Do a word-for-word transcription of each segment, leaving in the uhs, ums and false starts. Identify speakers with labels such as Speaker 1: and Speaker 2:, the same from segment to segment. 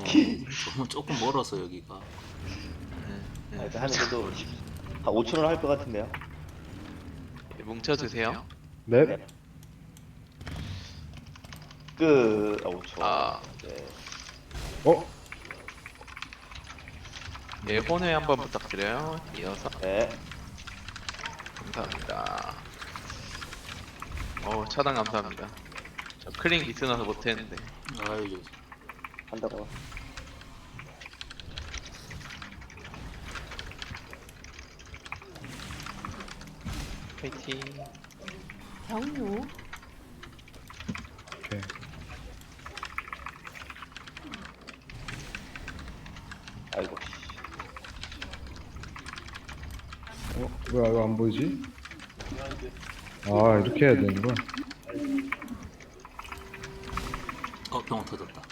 Speaker 1: 새끼.
Speaker 2: 조금, 조금 멀어서 여기가.
Speaker 1: 아, 일단 하는 데도 한 오천 원 할 것 같은데요.
Speaker 3: 네, 뭉쳐주세요.
Speaker 4: 네.
Speaker 1: 네. 끝. 아, 오천 원.
Speaker 3: 아.
Speaker 1: 네.
Speaker 4: 어?
Speaker 3: 예, 혼회 한번 부탁드려요. 이어서
Speaker 1: 네.
Speaker 3: 감사합니다. 어, 차단 감사합니다. 저 클링 미스나서 못했는데.
Speaker 2: 아유,
Speaker 1: 한다고.
Speaker 3: 파이팅.
Speaker 5: 경유.
Speaker 4: 오케이.
Speaker 1: 아이고.
Speaker 4: 어? 왜, 왜 안 보이지? 아, 이렇게 해야 되는 거야?
Speaker 2: 어, 병원 터졌다.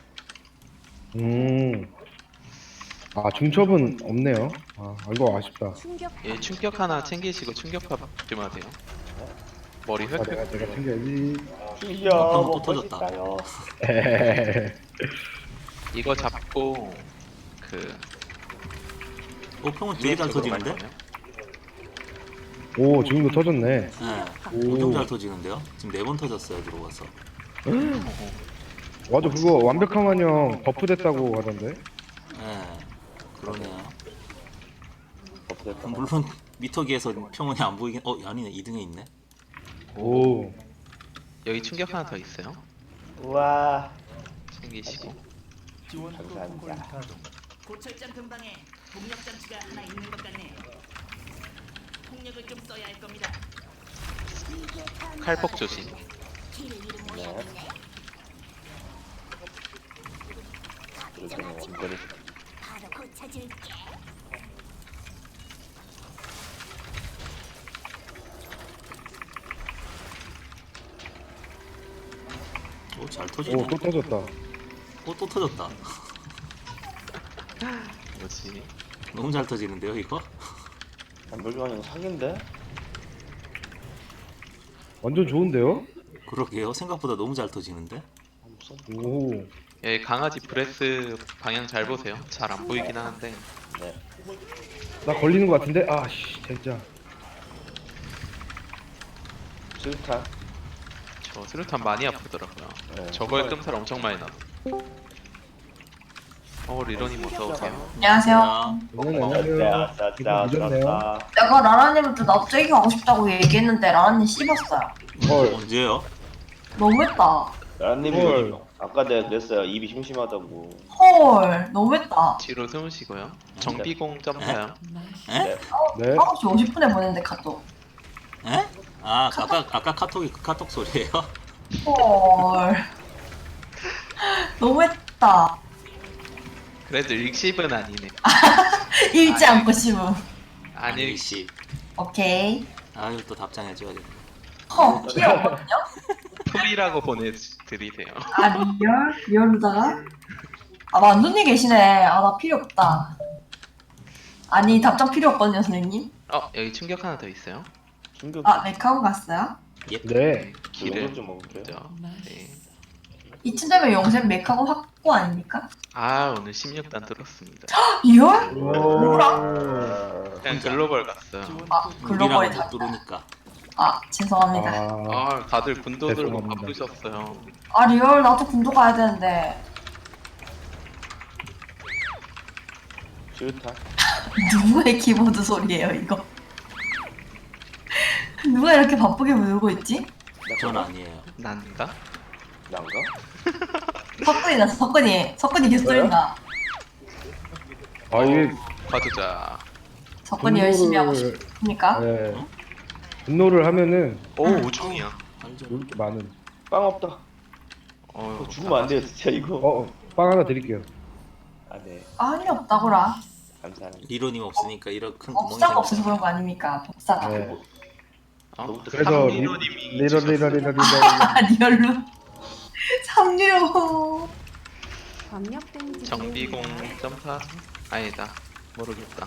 Speaker 4: 음. 아, 중첩은 없네요. 아, 이거 아쉽다.
Speaker 5: 충격.
Speaker 3: 예, 충격 하나 챙기시고 충격파 조심하세요. 머리
Speaker 4: 아, 내가,
Speaker 3: 획획.
Speaker 4: 내가 챙겨야지.
Speaker 1: 튀겨.
Speaker 2: 어, 또
Speaker 1: 먹고
Speaker 2: 터졌다.
Speaker 1: 싶다요.
Speaker 4: 에헤헤헤.
Speaker 3: 이거 잡고 그
Speaker 2: 어, 병원 되게 잘 터지는데?
Speaker 4: 오, 지금도 터졌네.
Speaker 2: 네.
Speaker 4: 오.
Speaker 2: 엄청 잘 터지는데요? 지금 네 번 터졌어요, 들어가서.
Speaker 4: 맞아, 그거 완벽함한형 버프 됐다고 하던데.
Speaker 2: 네. 그러네요.
Speaker 1: 없었다.
Speaker 2: 물론 미터기에서 평원이 안 보이긴. 어, 아니네. 이 등에 있네.
Speaker 4: 오.
Speaker 3: 여기 충격 하나 더 있어요.
Speaker 1: 우와.
Speaker 3: 챙기시고.
Speaker 1: 감사합니다.
Speaker 6: 고철장 근방에 동력 장치가 하나 있는 것 같네. 폭력을 좀 써야 할 겁니다.
Speaker 3: 칼폭 조심.
Speaker 1: 네. 이렇게 운전을
Speaker 2: 오, 잘 터지네.
Speaker 4: 오, 또 터졌다.
Speaker 2: 어, 또 터졌다.
Speaker 3: 뭐지?
Speaker 2: 너무 잘 터지는데요, 이거?
Speaker 1: 안돌교환이 사기인데?
Speaker 4: 완전 좋은데요?
Speaker 2: 그러게요. 생각보다 너무 잘 터지는데?
Speaker 4: 오.
Speaker 3: 여기 강아지 브레스 방향 잘 보세요. 잘 안 보이긴 하는데.
Speaker 1: 네.
Speaker 4: 나 걸리는 거 같은데? 아, 씨, 진짜.
Speaker 1: 수류탄.
Speaker 3: 저 수류탄 많이 아프더라고요.
Speaker 1: 네.
Speaker 3: 저거에 끔살 엄청 많이 났어. 어, 리런님 어서 오세요.
Speaker 7: 안녕하세요.
Speaker 4: 네,
Speaker 1: 네,
Speaker 4: 안녕하세요.
Speaker 1: 아싸,
Speaker 4: 이거
Speaker 1: 아싸,
Speaker 4: 늦었네요.
Speaker 1: 아싸.
Speaker 7: 내가 라라님한테 나도 째기 가고 싶다고 얘기했는데 라라님 씹었어요.
Speaker 4: 헐.
Speaker 2: 언제요?
Speaker 7: 너무했다.
Speaker 1: 나라님이
Speaker 4: 헐.
Speaker 1: 아까 내가 그랬어요. 입이 심심하다고.
Speaker 7: 헐, 너무했다.
Speaker 3: 뒤로 숨으시고요. 정비공 점사요.
Speaker 1: 네.
Speaker 4: 네.
Speaker 7: 아홉 시 오십 분에 보냈는데 카톡.
Speaker 2: 에? 아, 아까, 아까 카톡이 그 카톡 소리예요?
Speaker 7: 헐. 너무했다.
Speaker 3: 그래도 일십은 아니네.
Speaker 7: 읽지 않고 씹음.
Speaker 3: 아니,
Speaker 2: 씨.
Speaker 7: 오케이.
Speaker 2: 아유, 또 답장해줘야겠네.
Speaker 7: 허, 귀여웠거든요?
Speaker 3: 풀이라고 보내드리세요.
Speaker 7: 아, 리얼? 리얼로다가? 아, 만두님 계시네. 아, 나 필요 없다. 아니, 답장 필요 없거든요, 선생님.
Speaker 3: 어, 여기 충격 하나 더 있어요.
Speaker 1: 충격.
Speaker 7: 아, 메카온 갔어요?
Speaker 2: 예.
Speaker 4: 네.
Speaker 3: 길을
Speaker 1: 영상 좀 먹을게요.
Speaker 3: 먼저. 네.
Speaker 7: 이쯤 되면 용샘 메카온 확보 아닙니까?
Speaker 3: 아, 오늘 십육 단 들었습니다.
Speaker 7: 리얼?
Speaker 4: 오.
Speaker 3: 그냥 글로벌 갔어요.
Speaker 7: 아, 글로벌이
Speaker 2: 우리랑
Speaker 7: 다.
Speaker 2: 못 들으니까.
Speaker 7: 아, 죄송합니다.
Speaker 4: 아,
Speaker 3: 아, 다들 군도 들고
Speaker 4: 죄송합니다.
Speaker 3: 바쁘셨어요.
Speaker 7: 아, 리얼, 나도 군도 가야 되는데.
Speaker 1: 수류탄.
Speaker 7: 누구의 키보드 소리예요, 이거? 누가 이렇게 바쁘게 울고 있지?
Speaker 2: 전 아니에요.
Speaker 3: 난가?
Speaker 1: 난가?
Speaker 7: 석근이 났어, 석근이. 석근이 개소리나.
Speaker 4: 아, 이게.
Speaker 3: 봐주자.
Speaker 7: 석근이 열심히 하고
Speaker 4: 분노를-
Speaker 7: 싶으니까.
Speaker 4: 네. 분노를 하면은
Speaker 3: 오, 우중이야.
Speaker 2: 알죠.
Speaker 4: 이렇게 많은.
Speaker 1: 빵 없다.
Speaker 3: 어,
Speaker 1: 죽으면 안 돼요, 진짜 이거.
Speaker 4: 어, 어, 빵 하나 드릴게요.
Speaker 1: 아, 네.
Speaker 7: 아니, 없다고라.
Speaker 1: 감사합니다.
Speaker 2: 리로님 없으니까 이런 큰 구멍이
Speaker 7: 법사가 없어서
Speaker 2: 생겼어요.
Speaker 7: 그런 거 아닙니까? 법사가.
Speaker 4: 네.
Speaker 3: 어?
Speaker 1: 너무
Speaker 4: 그래서
Speaker 3: 삼리로님이
Speaker 4: 리러 리러 리러 리러.
Speaker 7: 아, 리얼로. 삼류.
Speaker 5: 압력 데미지.
Speaker 3: 정비공 점사? 아니다. 모르겠다.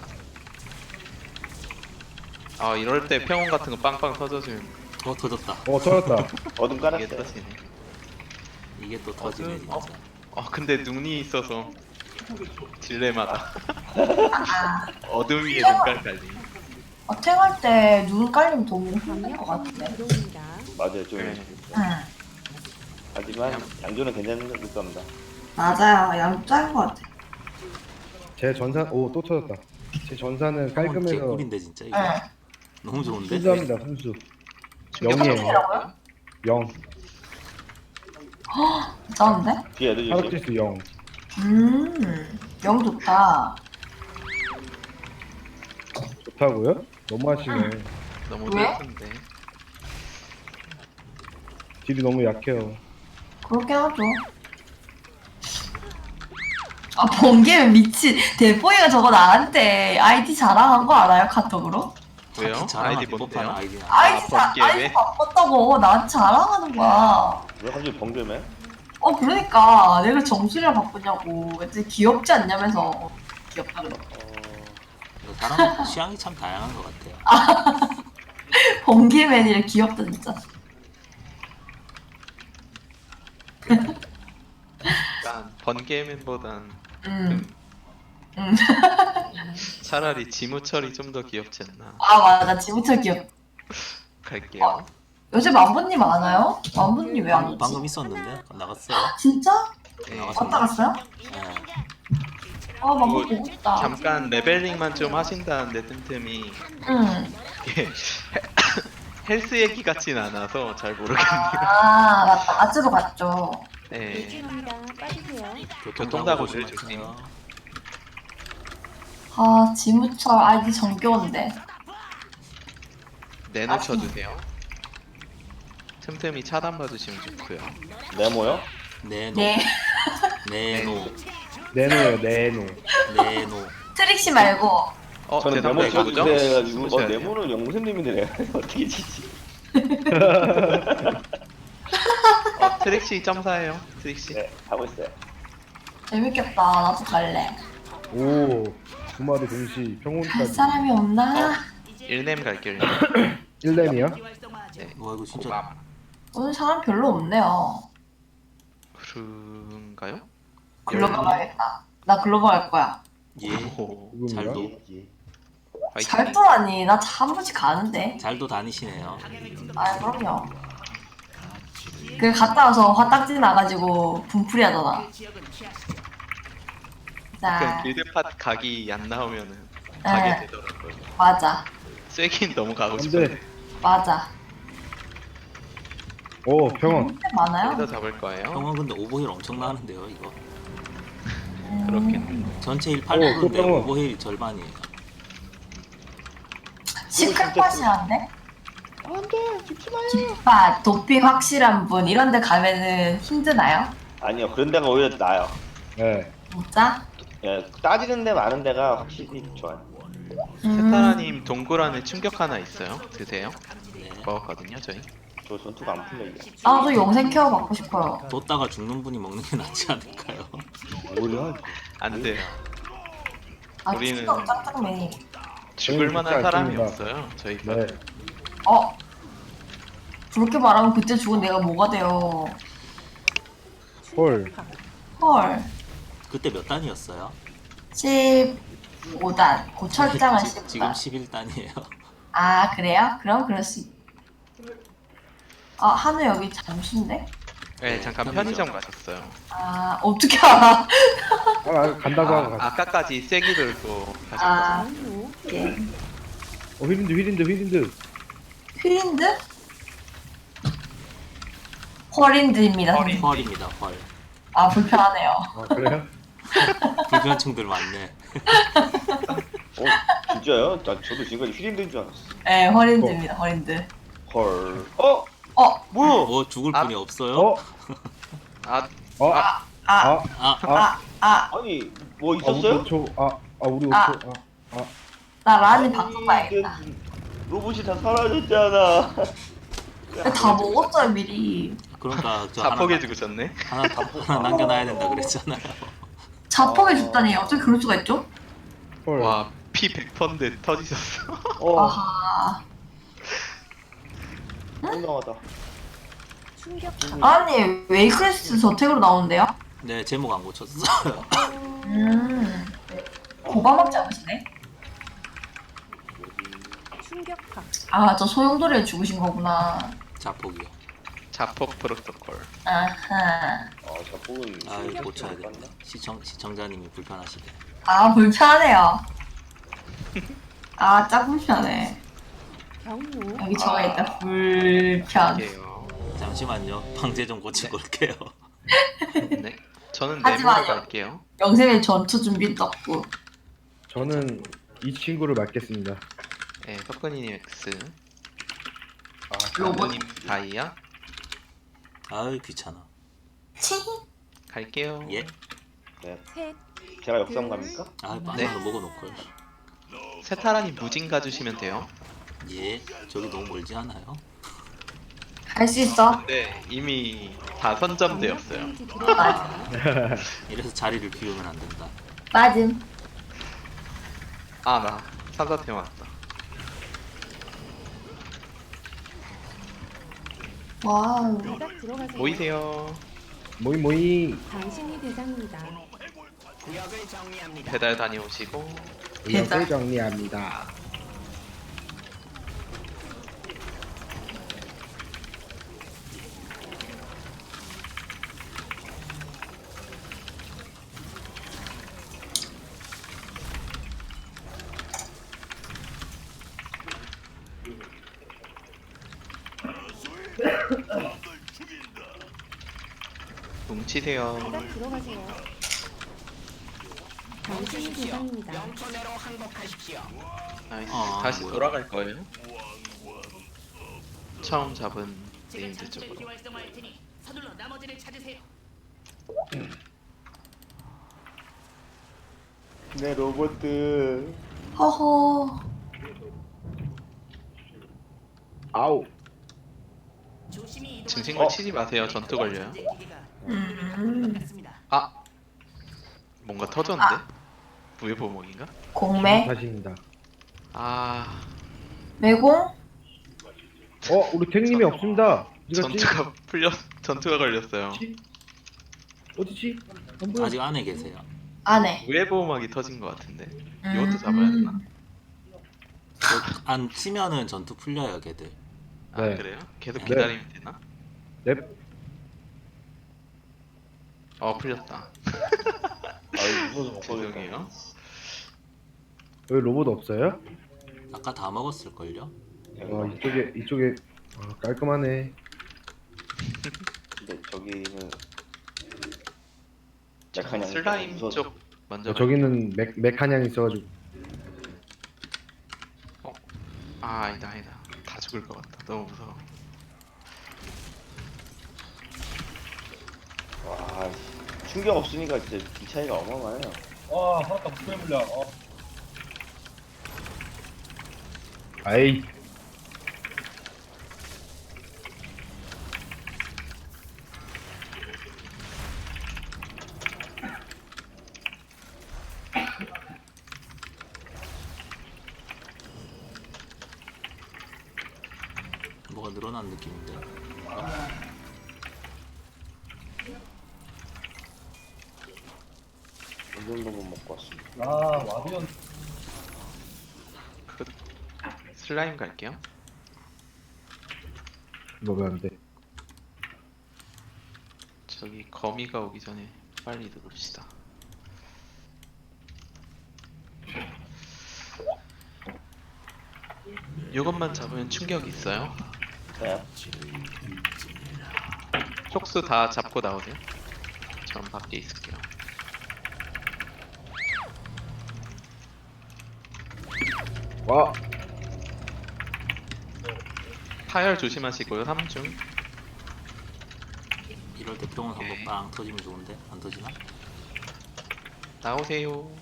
Speaker 3: 아, 이럴 때 평온 같은 거 빵빵 터져주면
Speaker 2: 어, 터졌다.
Speaker 4: 어, 터졌다.
Speaker 1: 어둠
Speaker 3: 이게
Speaker 1: 깔았어요.
Speaker 3: 터지네.
Speaker 2: 이게 또 터지네,
Speaker 3: 어?
Speaker 2: 진짜.
Speaker 3: 아, 근데 눈이 있어서 딜레마다.
Speaker 7: 아,
Speaker 3: 어둠 위에 눈깔 깔림.
Speaker 7: 어, 탱할 때 눈 깔리면 너무 힘들 것
Speaker 5: 강력병
Speaker 7: 같은데.
Speaker 5: 들어옵니다.
Speaker 1: 맞아요 좀.
Speaker 3: 네.
Speaker 7: 응.
Speaker 1: 하지만 양조는 괜찮을 겁니다.
Speaker 7: 맞아요. 양 짧은 것 같아.
Speaker 4: 제 전산 오 또 터졌다. 제 전산은 깔끔해서
Speaker 2: 개꿀인데 진짜 이거.
Speaker 7: 응.
Speaker 2: 너무 좋은데?
Speaker 4: 순수합니다 순수.
Speaker 3: 충격
Speaker 4: 영이에요.
Speaker 3: 받았어요?
Speaker 4: 영.
Speaker 7: 괜찮은데?
Speaker 1: 뒤에 애들 조심.
Speaker 4: 파라티스 영.
Speaker 7: 음, 영 좋다.
Speaker 4: 좋다고요? 너무 하시네.
Speaker 3: 너무
Speaker 7: 왜?
Speaker 3: 예쁜데.
Speaker 4: 딜이 너무 약해요.
Speaker 7: 그렇게 하죠. 아, 번개는 미친. 대포이가 저거 나한테 아이디 자랑한 거 알아요? 카톡으로?
Speaker 3: 왜요?
Speaker 2: 딱히 자랑할
Speaker 3: 아이디
Speaker 2: 법한
Speaker 3: 뭔데요?
Speaker 2: 아이디는 아니야.
Speaker 7: 아이디, 자,
Speaker 3: 번개
Speaker 7: 아이디
Speaker 3: 왜?
Speaker 7: 바꿨다고 나한테 자랑하는 거야.
Speaker 1: 왜 갑자기 번개매?
Speaker 7: 어, 그러니까. 내가 정수리를 바꾸냐고. 이제 귀엽지 않냐면서. 귀엽다 그래.
Speaker 1: 어...
Speaker 2: 이거 사람 취향이 참 다양한 것 같아요.
Speaker 7: 번개맨이래 귀엽다, 진짜.
Speaker 3: 약간 번개맨보단
Speaker 7: 음. 음.
Speaker 3: 차라리 지무철이 좀 더 귀엽지 않나.
Speaker 7: 아, 맞아. 지무철 귀엽.
Speaker 3: 갈게요.
Speaker 7: 요새 만보님 안 와요? 만보님 왜 안 오지?
Speaker 2: 방금 있었는데 나갔어요.
Speaker 7: 진짜?
Speaker 3: 네.
Speaker 2: 나갔어.
Speaker 7: 왔다 갔어요?
Speaker 2: 네.
Speaker 7: 아, 만보
Speaker 3: 뭐,
Speaker 7: 보고 싶다.
Speaker 3: 잠깐 레벨링만 좀 하신다는데 틈틈이
Speaker 7: 응.
Speaker 3: 이게 헬스 얘기 같진 않아서 잘 모르겠네요.
Speaker 7: 아, 맞다. 아즈로 갔죠.
Speaker 3: 네.
Speaker 5: 조심합니다. 빠지세요.
Speaker 3: 교통사고를
Speaker 2: 조심하세요.
Speaker 7: 아, 지무철 아이디 정겨운데.
Speaker 3: 내놓쳐 주세요. 틈틈이 차단 봐주시면 좋고요.
Speaker 1: 네모요?
Speaker 2: 네노.
Speaker 7: 네.
Speaker 2: 네노.
Speaker 4: 네노요 네노.
Speaker 2: 네노.
Speaker 7: 트릭시 말고.
Speaker 3: 어,
Speaker 1: 저는
Speaker 3: 대답
Speaker 1: 네모
Speaker 3: 뭐죠?
Speaker 1: 쳐주세요 해가지고 어
Speaker 3: 숨으셔야 돼요.
Speaker 1: 네모는 영생님인데 내가 어떻게 치지?
Speaker 3: 어, 트릭시 점사예요. 트릭시.
Speaker 1: 네 하고 있어요.
Speaker 7: 재밌겠다. 나도 갈래.
Speaker 4: 오. 두 마리 동시
Speaker 7: 갈
Speaker 4: 평온까지.
Speaker 7: 사람이 없나?
Speaker 3: 일렘 갈게요. 일렘.
Speaker 4: 일 렘이요?
Speaker 3: 네.
Speaker 2: 와 이거 진짜
Speaker 3: 고감.
Speaker 7: 오늘 사람 별로 없네요.
Speaker 3: 그런가요?
Speaker 7: 글로벌 가야겠다. 나 글로벌 갈 거야.
Speaker 2: 예.
Speaker 3: 오,
Speaker 4: 누굽니까?
Speaker 2: 잘도
Speaker 1: 예, 예.
Speaker 3: 화이팅.
Speaker 7: 잘 돌아니. 나 한 번씩 가는데.
Speaker 2: 잘도 다니시네요.
Speaker 7: 아, 그럼요. 그 갔다 와서 화딱지 나가지고 분풀이 하잖아.
Speaker 3: 그럼
Speaker 7: 자,
Speaker 3: 빌드팟 각이 안 나오면은
Speaker 7: 네.
Speaker 3: 가게 되더라고요.
Speaker 7: 맞아.
Speaker 3: 쐐긴 너무 가고
Speaker 4: 안돼.
Speaker 3: 싶은데
Speaker 7: 맞아.
Speaker 4: 오 평온.
Speaker 7: 근데 많아요?
Speaker 3: 여기서 잡을 거예요.
Speaker 2: 형은 근데 오버힐 엄청 나는데요 이거.
Speaker 7: 음,
Speaker 3: 그렇겠네.
Speaker 2: 전체 힐
Speaker 4: 오,
Speaker 2: 팔 퍼센트인데
Speaker 4: 또 병원.
Speaker 2: 오버힐 절반이에요.
Speaker 7: 시크팟이란데? 안돼, 죽지 마요. 깃팟, 도핑 확실한 분 이런 데 가면은 힘드나요?
Speaker 1: 아니요 그런 데가 오히려 나아요.
Speaker 4: 네.
Speaker 7: 진짜?
Speaker 1: 예 따지는 데 많은 데가 확실히 좋아요.
Speaker 7: 음,
Speaker 3: 세타라님 동굴 안에 충격 하나 있어요. 드세요.
Speaker 2: 네.
Speaker 3: 먹었거든요 저희.
Speaker 1: 저 전투가 안 풀려 이게.
Speaker 7: 나도 영생 케어 받고 싶어요.
Speaker 2: 뒀다가 죽는 분이 먹는 게 낫지 않을까요?
Speaker 1: 뭐야?
Speaker 3: 안 돼요.
Speaker 7: 아,
Speaker 3: 우리는-
Speaker 7: 진짜 짱짱맨이.
Speaker 3: 죽을
Speaker 4: 저희는
Speaker 3: 만한
Speaker 4: 죽지
Speaker 3: 사람이
Speaker 4: 않습니다.
Speaker 3: 없어요. 저희가.
Speaker 4: 네.
Speaker 7: 어? 그렇게 말하면 그때 죽은 내가 뭐가 돼요?
Speaker 4: 헐.
Speaker 7: 헐.
Speaker 2: 그때 몇 단이었어요?
Speaker 7: 십오 단. 고철장은
Speaker 2: 지-
Speaker 7: 십오
Speaker 2: 지금
Speaker 7: 단.
Speaker 2: 십일 단이에요.
Speaker 7: 아, 그래요? 그럼 그럴 수 있... 아, 한우 여기 잠수인데?
Speaker 3: 네 잠깐
Speaker 2: 편의점.
Speaker 3: 편의점 가셨어요.
Speaker 7: 아, 어떻게 알아?
Speaker 4: 아 간다고 하고
Speaker 3: 아,
Speaker 4: 갔어.
Speaker 3: 아까까지 쐐기를 또 가셨거든요.
Speaker 7: 아,
Speaker 5: 경로.
Speaker 7: 예.
Speaker 4: 어 휘린드 휘린드 휘린드.
Speaker 7: 휘린드? 헐린드입니다.
Speaker 3: 헐인.
Speaker 2: 헐입니다 헐.
Speaker 7: 아, 불편하네요.
Speaker 4: 아 그래요?
Speaker 2: 불편충들 많네.
Speaker 1: 어 진짜요? 나 저도 지금까지 휘린드인 줄 알았어.
Speaker 7: 네, 헐린드입니다. 헐린드.
Speaker 1: 헐. 어?
Speaker 7: 어,
Speaker 1: 뭐야?
Speaker 2: 뭐 죽을
Speaker 3: 아.
Speaker 2: 분이 없어요?
Speaker 4: 어?
Speaker 3: 아
Speaker 4: 어?
Speaker 7: 아,
Speaker 4: 아.
Speaker 2: 아,
Speaker 7: 아,
Speaker 4: 아.
Speaker 7: 아,
Speaker 1: 아니 뭐
Speaker 4: 아 우리
Speaker 1: 있었어요?
Speaker 4: 오 초. 아. 아 우리 오 초.
Speaker 7: 아.
Speaker 4: 아.
Speaker 7: 나 라니
Speaker 1: 아니,
Speaker 7: 바꿔봐야겠다.
Speaker 1: 로봇이 다 사라졌잖아.
Speaker 7: 근데 다 먹었어요, 미리.
Speaker 2: 그러니까 저 하나,
Speaker 3: 자폭해 죽으셨네.
Speaker 2: 하나, 하나 남겨놔야 된다 그랬잖아요.
Speaker 7: 자폭해 줬다니. 어떻게 그럴 수가 있죠?
Speaker 4: 헐.
Speaker 3: 와 피 백 퍼센트 터지셨어.
Speaker 1: 어,
Speaker 7: 아하.
Speaker 1: 훌륭하다.
Speaker 5: 충격파.
Speaker 7: 아니, 웨이크레스트 저택으로 나오는데요?
Speaker 2: 네 제목 안 고쳤어요.
Speaker 7: 음. 고바막 잡으시네?
Speaker 5: 충격파.
Speaker 7: 아, 저 소용돌이에 죽으신 거구나.
Speaker 2: 자폭이요.
Speaker 3: 자폭 프로토콜.
Speaker 7: 아하.
Speaker 1: 아, 자폭은
Speaker 2: 아 이거
Speaker 1: 못
Speaker 2: 고쳐야겠네.
Speaker 1: 봤나?
Speaker 2: 시청 시청자님이 불편하시대.
Speaker 7: 아, 불편하네요. 아, 짜 불편해.
Speaker 5: 경로.
Speaker 7: 여기 저가 있다. 불편.
Speaker 3: 갈게요.
Speaker 2: 잠시만요. 방제 좀 고치고 올게요.
Speaker 3: 네. 저는
Speaker 7: 하지
Speaker 3: 네모로
Speaker 7: 마요.
Speaker 3: 갈게요.
Speaker 7: 영생의 전투 준비 떴고.
Speaker 4: 저는 이 친구를 맡겠습니다.
Speaker 3: 네, 석근이님 X.
Speaker 1: 아,
Speaker 7: 로봇.
Speaker 3: 님 다이아.
Speaker 2: 아유 귀찮아.
Speaker 7: 치.
Speaker 3: 갈게요.
Speaker 2: 예.
Speaker 1: 네.
Speaker 5: 셋.
Speaker 1: 제가 역삼 갑니까?
Speaker 2: 아
Speaker 3: 네.
Speaker 2: 바나나 먹어놓고요.
Speaker 3: 세타라님 무진 가주시면 돼요.
Speaker 2: 예. 저기 너무 멀지 않아요?
Speaker 7: 할 수 있어.
Speaker 3: 근데 이미 다 선점되었어요.
Speaker 5: 방역 데미지 들어갑니다.
Speaker 2: 이래서 자리를 비우면 안 된다.
Speaker 7: 맞음.
Speaker 3: 아, 나 삼사태 왔다.
Speaker 7: 와우.
Speaker 5: 바닥 들어가세요.
Speaker 3: 보이세요?
Speaker 4: 모이 모이.
Speaker 5: 당신이 대상입니다.
Speaker 3: 배달 다녀오시고.
Speaker 4: 의학을 정리합니다.
Speaker 3: 뭉치세요.
Speaker 5: 바닥 들어가세요. 당신이 대상입니다.
Speaker 3: 나이스.
Speaker 2: 아,
Speaker 3: 다시
Speaker 2: 뭐야.
Speaker 3: 돌아갈 거예요. 처음 잡은
Speaker 6: 제가
Speaker 3: 네임드
Speaker 6: 장치를
Speaker 3: 쪽으로.
Speaker 6: 비활성화할 테니 서둘러 나머지를 찾으세요.
Speaker 1: 네, 로봇들.
Speaker 7: 허허.
Speaker 4: 아우.
Speaker 6: 조심히 이동하세요.
Speaker 3: 증신구 치지 마세요. 전투 걸려요.
Speaker 7: 음.
Speaker 3: 아, 뭔가 터졌는데?
Speaker 7: 아.
Speaker 3: 부의 보목인가?
Speaker 7: 공매.
Speaker 4: 다시입니다.
Speaker 3: 아,
Speaker 7: 매공.
Speaker 4: 어, 우리 탱님이 없습니다. 어디 갔지?
Speaker 3: 전투가 풀렸, 전투가 걸렸어요.
Speaker 4: 어디지? 안 보여.
Speaker 2: 아직 안에 계세요.
Speaker 7: 안에.
Speaker 3: 부의 보호막이 터진 것 같은데.
Speaker 7: 음.
Speaker 3: 이것도 잡아야 되나?
Speaker 2: 안 치면은 전투 풀려요, 걔들.
Speaker 3: 아,
Speaker 4: 네.
Speaker 3: 그래요? 계속
Speaker 2: 네.
Speaker 3: 기다리면 되나?
Speaker 4: 넵.
Speaker 3: 어, 풀렸다.
Speaker 1: 아, 무서워서 못 보겠다.
Speaker 3: 죄송해요.
Speaker 4: 여기 로봇 없어요?
Speaker 2: 아까 다 먹었을걸요?
Speaker 4: 와, 이쪽에 이쪽에 아, 깔끔하네.
Speaker 1: 근데 저기는
Speaker 3: 저
Speaker 1: 약한 양이
Speaker 3: 슬라임
Speaker 1: 무서워서.
Speaker 3: 쪽 먼저.
Speaker 4: 어, 저기는 맥 맥한양 있어가지고.
Speaker 3: 갈게요. 아, 아니다, 아니다. 다 죽을 것 같다. 너무 무서워.
Speaker 1: 와, 충격 없으니까 진짜 이 차이가 어마어마해요.
Speaker 4: 아이.
Speaker 2: 뭐가 늘어난 느낌인데.
Speaker 1: 이 정도면 먹고 왔습니다.
Speaker 3: 그 슬라임 갈게요.
Speaker 4: 먹으면 안 돼.
Speaker 3: 저기 거미가 오기 전에 빨리 누릅시다. 이것만 잡으면 충격이 있어요.
Speaker 1: 네.
Speaker 3: 촉수 다 잡고 나오세요. 전 밖에 있을게요.
Speaker 4: 와.
Speaker 3: 파열 조심하시고요. 삼 중.
Speaker 2: 이럴 때 평온 한번
Speaker 3: 오케이.
Speaker 2: 빵 터지면 좋은데 안 터지나?
Speaker 3: 나오세요.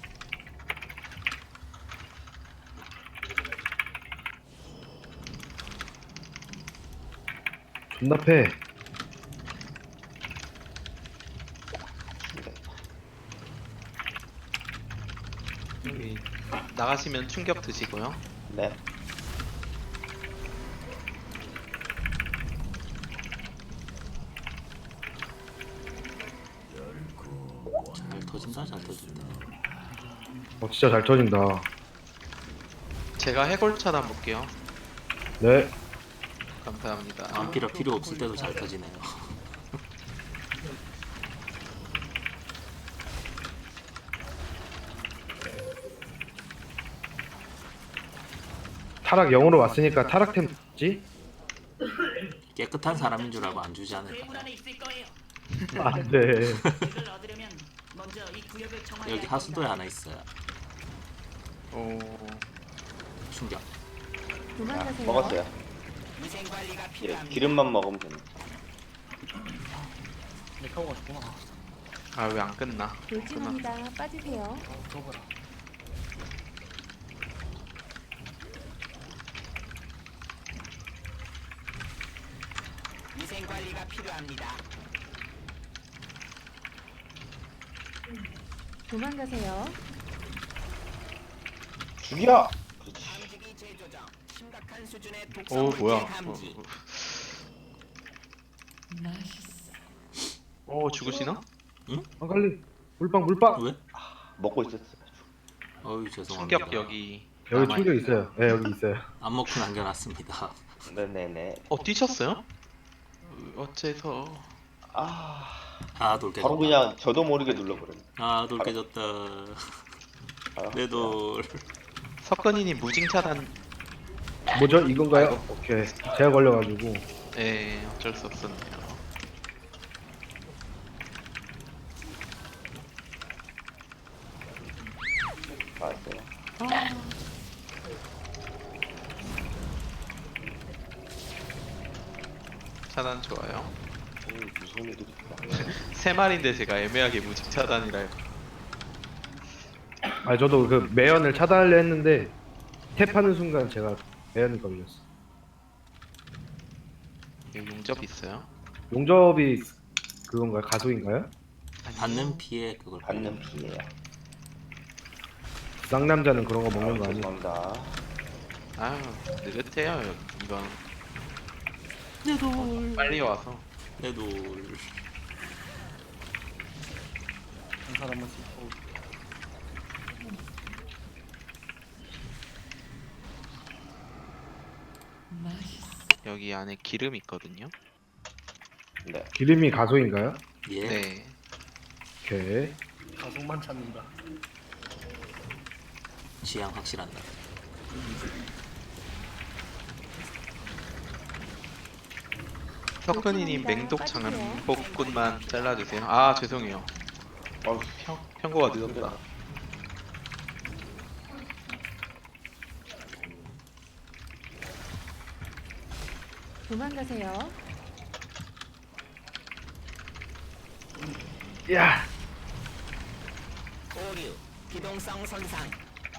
Speaker 4: 존나 패.
Speaker 3: 여기 나가시면 충격 드시고요.
Speaker 1: 네.
Speaker 2: 잘 터진다.
Speaker 4: 어 진짜 잘 터진다.
Speaker 3: 제가 해골 차단 볼게요.
Speaker 4: 네.
Speaker 3: 감사합니다.
Speaker 2: 안피라 필요 없을 때도 잘 터지네요.
Speaker 4: 타락 영으로 왔으니까 타락템 지?
Speaker 2: 깨끗한 사람인 줄 알고 안 주지 않을까.
Speaker 6: 괴물 안에 있을 거예요.
Speaker 4: 안돼.
Speaker 6: 이걸 얻으려면 먼저 이 구역을 정화해야
Speaker 2: 여기
Speaker 6: 할 겁니다.
Speaker 2: 하수도에 하나 있어요.
Speaker 3: 오,
Speaker 2: 충격.
Speaker 5: 도망가세요.
Speaker 1: 먹었어요.
Speaker 6: 위생 관리가
Speaker 1: 예,
Speaker 6: 필요합니다.
Speaker 1: 기름만 먹으면 됩니다.
Speaker 3: 아 왜 안 끝나? 끝나.
Speaker 5: 돌진합니다. 빠지세요.
Speaker 6: 위생 관리가 필요합니다.
Speaker 5: 도망가세요.
Speaker 1: 죽여! 그렇지.
Speaker 6: 감지기 재조정. 심각한 수준의
Speaker 3: 오
Speaker 6: 독성
Speaker 3: 뭐야?
Speaker 6: 물질 감지.
Speaker 3: 오, 오 죽으시나?
Speaker 4: 빨리 물방 물방.
Speaker 2: 왜?
Speaker 1: 먹고 있었어.
Speaker 2: 어유 죄송합니다.
Speaker 3: 충격 여기.
Speaker 4: 여기
Speaker 3: 남아있-
Speaker 4: 충격 있어요. 네 여기 있어요.
Speaker 2: 안 먹고 남겨놨습니다.
Speaker 1: 네네네.
Speaker 3: 어 뛰셨어요? 어째서?
Speaker 1: 아,
Speaker 2: 아 돌 깨졌다.
Speaker 1: 바로 그냥 저도 모르게 눌러버렸네.
Speaker 2: 아돌 깨졌다.
Speaker 1: 아,
Speaker 2: 내 돌.
Speaker 3: 석건이님 무징 차단.
Speaker 4: 뭐죠 이건가요? 오케이. 제가 걸려가지고.
Speaker 3: 예, 어쩔 수 없었네요.
Speaker 1: 맞았어요.
Speaker 3: 차단 좋아요.
Speaker 1: 음, 무슨 일이 있다.
Speaker 3: 세 마리인데 제가 애매하게 무징 차단이라 해서.
Speaker 4: 아 저도 그 매연을 차단하려 했는데 탭하는 순간 제가 매연이 걸렸어.
Speaker 3: 여기 용접 있어요?
Speaker 4: 용접이 그건가요? 가속인가요?
Speaker 2: 받는 피해 그걸
Speaker 1: 받는 피해야.
Speaker 4: 쌍남자는 그런 거 먹는 거 아니에요?
Speaker 1: 죄송합니다.
Speaker 3: 아유 느긋해요 여기 이건.
Speaker 2: 내 돌.
Speaker 3: 빨리 와서.
Speaker 2: 내 돌.
Speaker 3: 여기 안에 기름 있거든요.
Speaker 1: 네.
Speaker 4: 기름이 가속인가요?
Speaker 2: 예.
Speaker 3: 네.
Speaker 4: 오케이.
Speaker 2: 취향 확실한다.
Speaker 3: 석근이님 맹독 장복꾼만 잘라주세요. 아 죄송해요.
Speaker 1: 어우,
Speaker 3: 평 평고가 늦었다.
Speaker 5: 도망가세요.
Speaker 4: 야.
Speaker 6: 오류. 기동성 손상.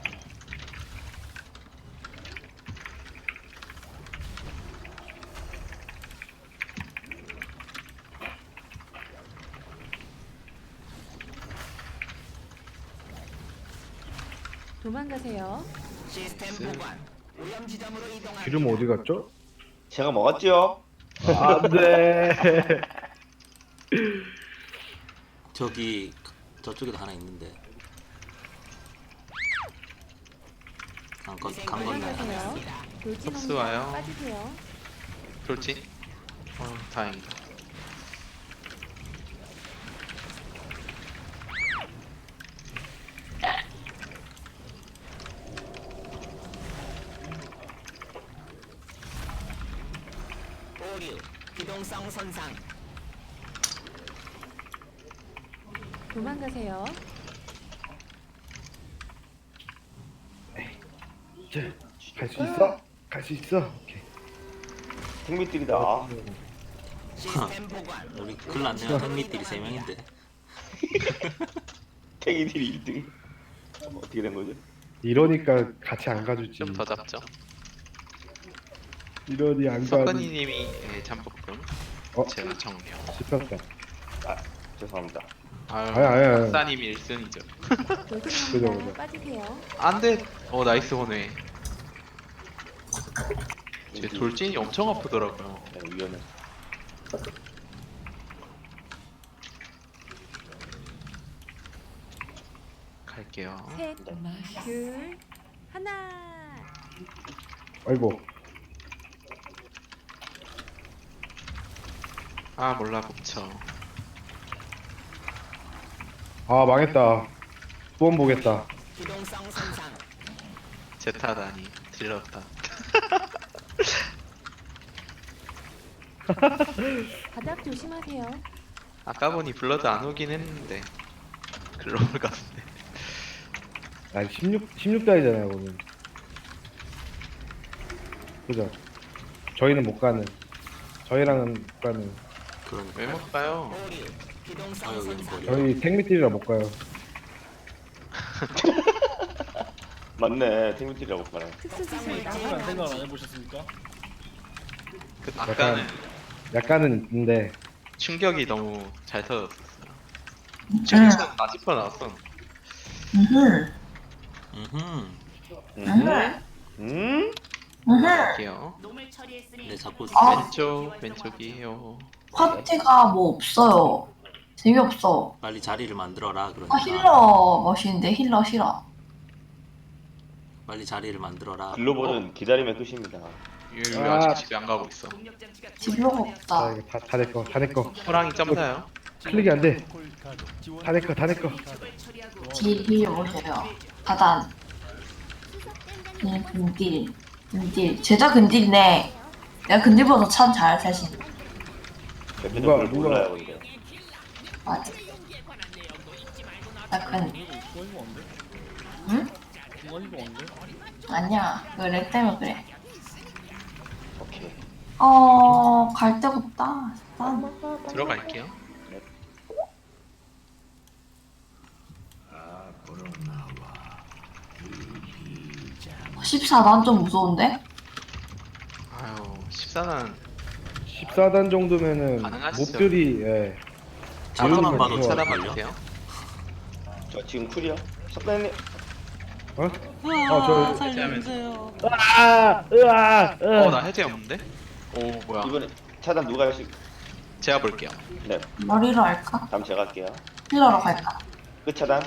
Speaker 5: 도망가세요.
Speaker 6: 시스템 보관. 오염 지점으로 이동합니다.
Speaker 4: 기름 어디 갔죠?
Speaker 1: 제가 먹었죠?
Speaker 4: 안돼.
Speaker 2: 저기 저쪽에도 하나 있는데. 강건 강건날 하나
Speaker 5: 도망가세요.
Speaker 2: 있어.
Speaker 5: 돌진합니다.
Speaker 3: 흡수와요.
Speaker 5: 빠지세요.
Speaker 3: 돌진? 어 다행이다.
Speaker 6: 오류. 기동성 손상.
Speaker 5: 도망가세요.
Speaker 4: 갈 수 있어? 갈 수 있어? 오케이.
Speaker 1: 생미들이다. 아,
Speaker 6: 시스템 보관.
Speaker 2: 우리 큰일 났네요. 흑미들이 세 명인데.
Speaker 1: 탱이들이 일 등. 어떻게 된 거죠?
Speaker 4: 이러니까 같이 안 가주지.
Speaker 3: 좀 더 잡죠.
Speaker 4: 이러니 안 가주.
Speaker 3: 석건이님이 예, 잠복금.
Speaker 4: 어?
Speaker 3: 제가 정령.
Speaker 4: 씹혔다.
Speaker 1: 아, 죄송합니다.
Speaker 3: 아유,
Speaker 4: 아니, 아니, 아니.
Speaker 3: 박사님 일 승이죠.
Speaker 4: 그죠,
Speaker 5: 돌진합니다.
Speaker 4: 그죠.
Speaker 5: 빠지세요.
Speaker 3: 안돼. 어 나이스 호네. 제 돌진이 엄청 아프더라고요.
Speaker 1: 네, 위험해.
Speaker 3: 갈게요.
Speaker 5: 셋, 둘, 하나.
Speaker 4: 아이고.
Speaker 3: 아 몰라 복쳐.
Speaker 4: 아 망했다. 두 번 보겠다.
Speaker 3: 제 탓아니 들렸다.
Speaker 5: 바닥 조심하세요.
Speaker 3: 아까 보니 블러드 안 오긴 했는데 글로벌 같은데.
Speaker 4: 아니 십육 십육 달이잖아요 오늘. 그죠? 저희는 못 가는. 저희랑은 못 가는.
Speaker 2: 그러니까
Speaker 3: 왜 못 가요?
Speaker 2: 아 여기는 거리.
Speaker 4: 저희 택미띠리라 못 가요.
Speaker 1: 맞네. 팀미티라고 말해.
Speaker 5: 특수 지시
Speaker 8: 안 생각 안 해보셨습니까?
Speaker 3: 그 아까는
Speaker 4: 약간은 있는데
Speaker 3: 충격이 너무 잘 터졌었어요.
Speaker 7: 응.
Speaker 3: 충격 사십 퍼센트 나왔어.
Speaker 7: 으흠.
Speaker 2: 음흠.
Speaker 7: 으흠.
Speaker 1: 음?
Speaker 7: 으흠.
Speaker 3: 갈게요.
Speaker 6: 놈을 처리했으니
Speaker 2: 네 자꾸
Speaker 7: 아.
Speaker 3: 왼쪽 왼쪽이에요.
Speaker 7: 파티가 뭐 없어요. 재미없어.
Speaker 2: 빨리 자리를 만들어라. 그러니까
Speaker 7: 아 힐러 멋있는데 힐러 싫어.
Speaker 2: 빨리 자리를 만들어라.
Speaker 1: 글로벌은 기다리면 끝입니다.
Speaker 3: 유
Speaker 4: 아.
Speaker 3: 아직 집에 안 가고 있어.
Speaker 6: 동력 장치가
Speaker 7: 딜러가
Speaker 4: 아
Speaker 7: 없다.
Speaker 4: 이거 다다내 거, 다 내 거.
Speaker 3: 호랑이 점사요.
Speaker 4: 클릭이 안 돼. 다 내 거, 다 내 거.
Speaker 6: 적을 처리하고
Speaker 7: 딜 오세요. 다단. 네, 근딜. 근딜. 죄다 근딜이네. 내가 근딜보다 참 잘할 자신.
Speaker 1: 대표님
Speaker 4: 누가-
Speaker 1: 그걸
Speaker 4: 누가-
Speaker 1: 몰라요 근데.
Speaker 7: 맞아. 나 근,
Speaker 8: 중간이가 뭔데?
Speaker 7: 응?
Speaker 8: 중간이가 뭔데?
Speaker 7: 아니야. 그렉 때문에 그래.
Speaker 1: 오케이.
Speaker 7: 어, 갈 데가 없다. 난
Speaker 3: 들어갈게요.
Speaker 7: 십사 단 좀 무서운데?
Speaker 3: 아유 십사 단
Speaker 4: 십사 단 정도면은
Speaker 3: 가능하시죠?
Speaker 4: 몹들이 예.
Speaker 2: 자료만 봐도
Speaker 4: 좋아.
Speaker 2: 잘
Speaker 3: 차단
Speaker 2: 걸려.
Speaker 3: 봐주세요.
Speaker 1: 저 지금 쿨이요. 석단님.
Speaker 4: 어? 아, 저
Speaker 2: 살려주세요.
Speaker 4: 으아! 으아! 으아!
Speaker 3: 어 나 해제 없는데? 오 뭐야?
Speaker 1: 이번에 차단 누가 할수?
Speaker 3: 제가 볼게요.
Speaker 1: 네.
Speaker 7: 머리로 할까?
Speaker 1: 다음 제가 할게요.
Speaker 7: 힐러로 갈까?
Speaker 1: 끝 차단.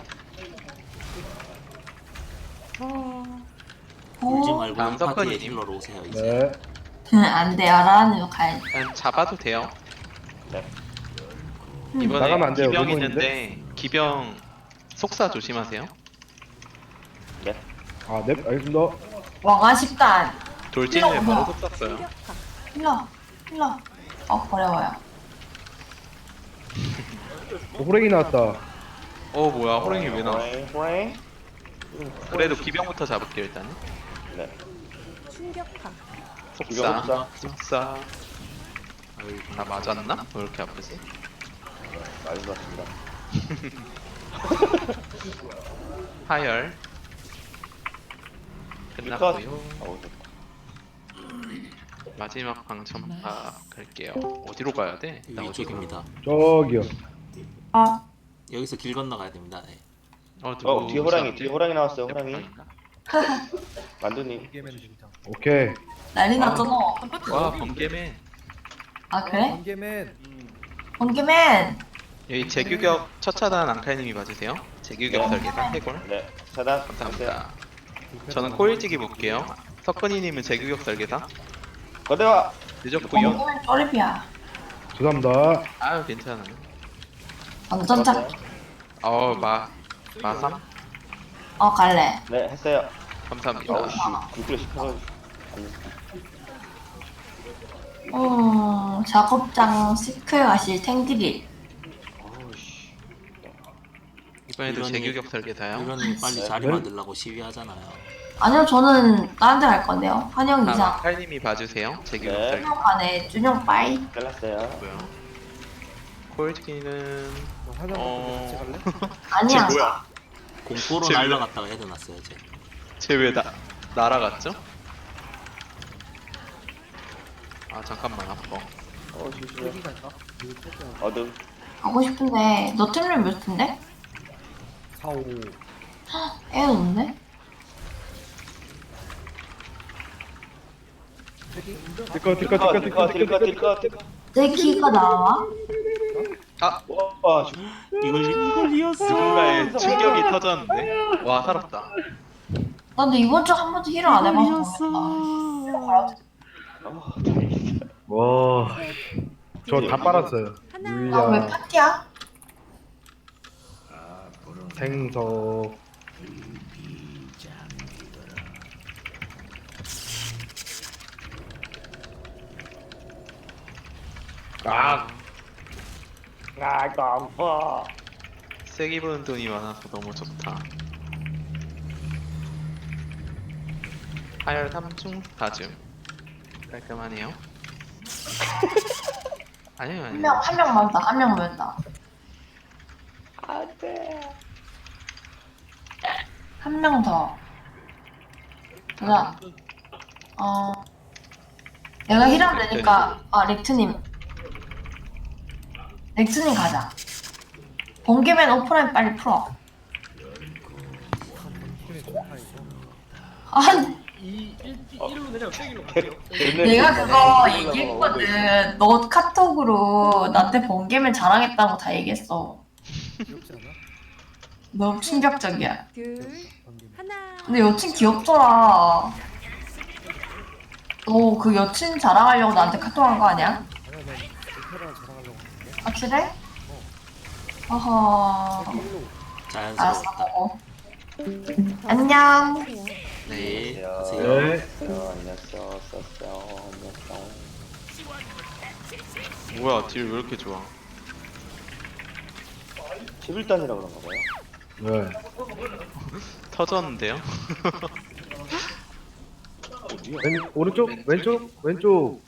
Speaker 2: 울지
Speaker 7: 오,
Speaker 2: 말고
Speaker 3: 다음
Speaker 2: 이 파티에
Speaker 3: 석근이님.
Speaker 2: 힐러로 오세요 이제.
Speaker 4: 네.
Speaker 7: 안 돼. 아라한으로 가야지.
Speaker 3: 그냥 잡아도 돼요.
Speaker 1: 네.
Speaker 3: 이번에
Speaker 4: 나가면 안 돼요.
Speaker 3: 기병
Speaker 4: 로봇인데?
Speaker 3: 있는데 기병 속사 조심하세요.
Speaker 1: 네.
Speaker 4: 아, 네, 알겠습니다.
Speaker 7: 왕아 십 단.
Speaker 3: 돌진을
Speaker 7: 힐러
Speaker 3: 바로
Speaker 7: 뭐야?
Speaker 3: 속샀어요.
Speaker 7: 힐러. 힐러. 어, 어려워요.
Speaker 4: 어, 호랭이 나왔다.
Speaker 3: 어 뭐야 호랑이 왜 나와?
Speaker 1: 호랭, 호랭.
Speaker 3: 그래도 기병부터 잡을게요 일단은.
Speaker 1: 네.
Speaker 5: 충격파.
Speaker 3: 속사.
Speaker 1: 기병
Speaker 3: 속사.
Speaker 2: 아유,
Speaker 3: 나 맞았나? 왜 이렇게 아프지?
Speaker 1: 많이 봤습니다.
Speaker 3: 하열. 끝났고요.
Speaker 1: 어우, 좋다.
Speaker 3: 마지막 방첨파 갈게요. 어디로 가야 돼? 나 어디로
Speaker 2: 위쪽입니다.
Speaker 4: 저기요.
Speaker 7: 아,
Speaker 2: 여기서 길 건너가야 됩니다. 네.
Speaker 3: 어,
Speaker 1: 어 뒤에 호랑이, 뒤에 호랑이 나왔어요.
Speaker 3: 몇
Speaker 1: 호랑이.
Speaker 3: 방인가?
Speaker 1: 만두님.
Speaker 4: 오케이.
Speaker 7: 난리 났잖아.
Speaker 3: 와 번개맨.
Speaker 7: 아, 그래?
Speaker 8: 번개맨.
Speaker 7: 번개맨.
Speaker 3: 여기 제규격 첫 차단 앙칼님이 봐주세요. 제규격 설계사 해골.
Speaker 1: 네. 차단.
Speaker 3: 감사합니다. 저는 코일지기 볼게요. 석근이님은 제규격 설계사.
Speaker 1: 거대와.
Speaker 3: 늦었고요.
Speaker 7: 번개맨 쪼리비야.
Speaker 4: 죄송합니다.
Speaker 3: 아유 괜찮아요.
Speaker 7: 완전 짝.
Speaker 3: 어, 마, 마삼?
Speaker 7: 어, 갈래.
Speaker 1: 네 했어요.
Speaker 3: 감사합니다.
Speaker 1: 어우 씨. 굴 시켜서.
Speaker 7: 음, 작업장 시크에 가실 탱들이.
Speaker 1: 어우 씨.
Speaker 3: 이번에도
Speaker 2: 이런이-
Speaker 3: 제규격 설계사요.
Speaker 2: 이러니 빨리
Speaker 1: 네.
Speaker 2: 자리
Speaker 4: 네?
Speaker 2: 만들라고 시위하잖아요.
Speaker 7: 아니요, 저는 다른 데 갈 건데요. 한영
Speaker 3: 다음
Speaker 7: 이상.
Speaker 3: 칼님이 봐주세요. 제규격
Speaker 1: 네.
Speaker 3: 설계.
Speaker 7: 준영 간에 준영 빠이.
Speaker 1: 잘랐어요.
Speaker 3: 고요 코일지기는 어...
Speaker 7: 아니야.
Speaker 3: 뭐야?
Speaker 2: 공포로
Speaker 3: 쟤 왜-
Speaker 2: 날라갔다가 헤드 났어요 제.
Speaker 3: 쟤왜 나, 날아갔죠? 아 잠깐만 아파.
Speaker 1: 어 조심해. 어둠.
Speaker 7: 가고 싶은데 너 틀리면 몇 텐데?
Speaker 8: 사, 오.
Speaker 7: 애 없네?
Speaker 4: 띠꺼, 띠꺼, 띠꺼,
Speaker 1: 딜컷
Speaker 4: 띠꺼,
Speaker 1: 딜컷
Speaker 4: 띠꺼,
Speaker 1: 딜컷 딜컷.
Speaker 7: 내 키가 나와?
Speaker 3: 아!
Speaker 1: 와.
Speaker 2: 이걸 이걸 이었어.
Speaker 3: 누군가의 충격이 터졌는데. 와 살았다.
Speaker 7: 나 근데 이번 주 한 번도 힐을 안 해봐서
Speaker 2: 이었어.
Speaker 7: 모르겠다.
Speaker 1: 아, 다행이다.
Speaker 4: 와, 저 다 빨았어요.
Speaker 5: 하나.
Speaker 7: 아 왜
Speaker 4: 유야,
Speaker 7: 파티야?
Speaker 4: 생석. 아,
Speaker 1: 아, 깜파.
Speaker 3: 세게 부는 돈이 많아서 너무 좋다. 하열 삼중 다즘 깔끔하네요. 아니요
Speaker 7: 한
Speaker 3: 아니요.
Speaker 7: 명 한 명만 더, 한 명만 더.
Speaker 1: 안 돼.
Speaker 7: 한 명 더. 보자. 어. 내가 힐하면 되니까 아 렉트님. 렉트님 가자. 번개맨 오프라인 빨리 풀어. 아니
Speaker 8: 이 일, 일로 내려 세기로 갈게요.
Speaker 7: 내가 그거 얘기했거든. 너 카톡으로 나한테 번개맨 자랑했다고 다 얘기했어.
Speaker 8: 귀엽지 않아?
Speaker 7: 너무 충격적이야.
Speaker 5: 둘. 하나.
Speaker 7: 근데 여친 귀엽더라. 너 그 여친 자랑하려고 나한테 카톡한 거 아니야?
Speaker 8: 아니야 난 이태랑 자랑하려고 했는데.
Speaker 7: 확실해? 어허. 알았어.
Speaker 2: 자연스럽다.
Speaker 7: 어. 안녕.
Speaker 5: 하세요.
Speaker 2: 네.
Speaker 1: 안녕하세요.
Speaker 2: 가세요.
Speaker 4: 네.
Speaker 1: 안녕하세요. 안녕하세요. 안녕하세요.
Speaker 3: 뭐야 딜 왜 이렇게 좋아?
Speaker 1: 십일 단이라 그런가 봐요.
Speaker 4: 네.
Speaker 3: 터졌는데요?
Speaker 1: 어디야?
Speaker 4: 왼, 오른쪽, 왼쪽, 왼쪽.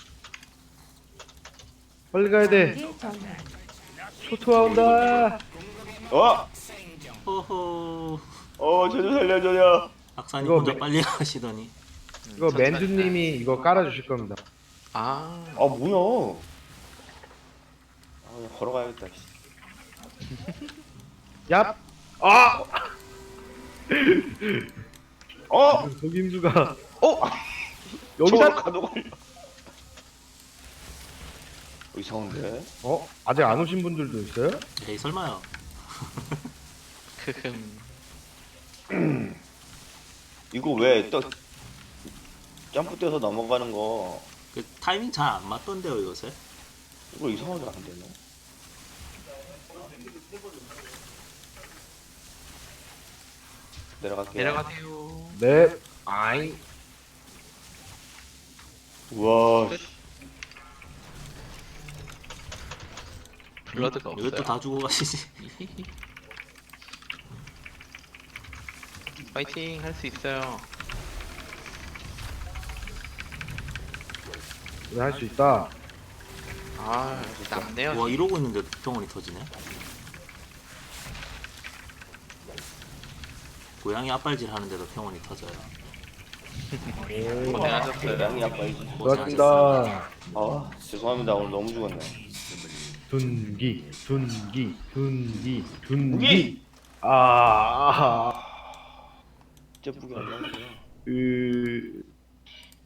Speaker 4: 빨리 가야 돼.
Speaker 5: 번개 전환.
Speaker 4: 초토화 온다.
Speaker 1: 어?
Speaker 2: 호호.
Speaker 1: 어, 저 좀 살려줘요.
Speaker 2: 박사님
Speaker 4: 이거
Speaker 2: 혼자
Speaker 4: 매-
Speaker 2: 빨리 가시더니.
Speaker 4: 이거
Speaker 3: 천천히
Speaker 4: 맨주님이 이거 깔아주실 겁니다.
Speaker 3: 아
Speaker 1: 아, 뭐야? 아, 그냥 걸어가야겠다. 씨.
Speaker 4: 얍. 아.
Speaker 1: 어?
Speaker 4: 속임수가
Speaker 3: 어?
Speaker 4: 여기다.
Speaker 1: 가도 걸려. 어, 이상한데?
Speaker 4: 어? 아직 안 오신 분들도 있어요?
Speaker 2: 에이 설마요.
Speaker 3: 크흠.
Speaker 1: 이거 왜 또 점프 뛰어서 넘어가는 거
Speaker 2: 그 타이밍 잘 안 맞던데요 요새.
Speaker 1: 이거 이상하게 안 되네. 내려갈게요.
Speaker 3: 내려가세요.
Speaker 4: 네. 아이.
Speaker 1: 우와. 씨.
Speaker 3: 블러드가
Speaker 2: 이것도
Speaker 3: 없어요.
Speaker 2: 다 주고 가시지.
Speaker 3: 파이팅 할 수 있어요.
Speaker 4: 네, 할 수 있다.
Speaker 3: 아 남네요.
Speaker 2: 와 이러고 있는데 병원이 터지네. 고양이 앞발질 하는데도 병원이 터져요.
Speaker 3: 고생하셨어요.
Speaker 1: 양이 아빠이지.
Speaker 4: 고맙습니다.
Speaker 1: 아, 죄송합니다. 오늘 너무 죽었네.
Speaker 4: 둔기, 둔기, 둔기,
Speaker 1: 둔기!
Speaker 4: 둔기. 아.
Speaker 1: 진짜 뿌기 안 나왔어요.
Speaker 4: 으.